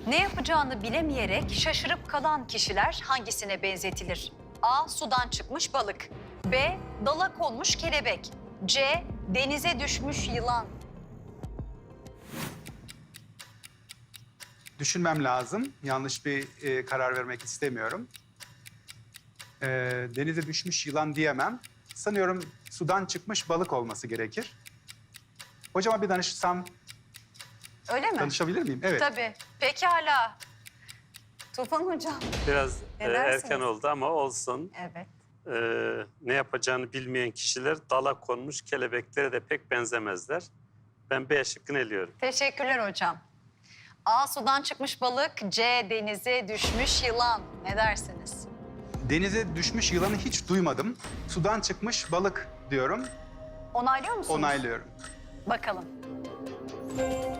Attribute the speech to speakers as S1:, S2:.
S1: Ne yapacağını bilemeyerek şaşırıp kalan kişiler hangisine benzetilir? A. Sudan çıkmış balık. B. Dala konmuş kelebek. C. Denize düşmüş yılan.
S2: Düşünmem lazım. Yanlış bir karar vermek istemiyorum. Denize düşmüş yılan diyemem. Sanıyorum sudan çıkmış balık olması gerekir. Hocama bir danışsam
S1: Öyle mi?
S2: danışabilir miyim? Evet.
S1: Tabii. Pekala. Tufan Hocam.
S3: Biraz
S1: Ne dersiniz?
S3: erken oldu ama olsun.
S1: Evet.
S3: Ne yapacağını bilmeyen kişiler dala konmuş kelebeklere de pek benzemezler. Ben B şıkkını eliyorum.
S1: Teşekkürler hocam. A. Sudan çıkmış balık. C. Denize düşmüş yılan. Ne dersiniz?
S2: Denize düşmüş yılanı hiç duymadım. Sudan çıkmış balık diyorum.
S1: Onaylıyor musunuz?
S2: Onaylıyorum.
S1: Bakalım.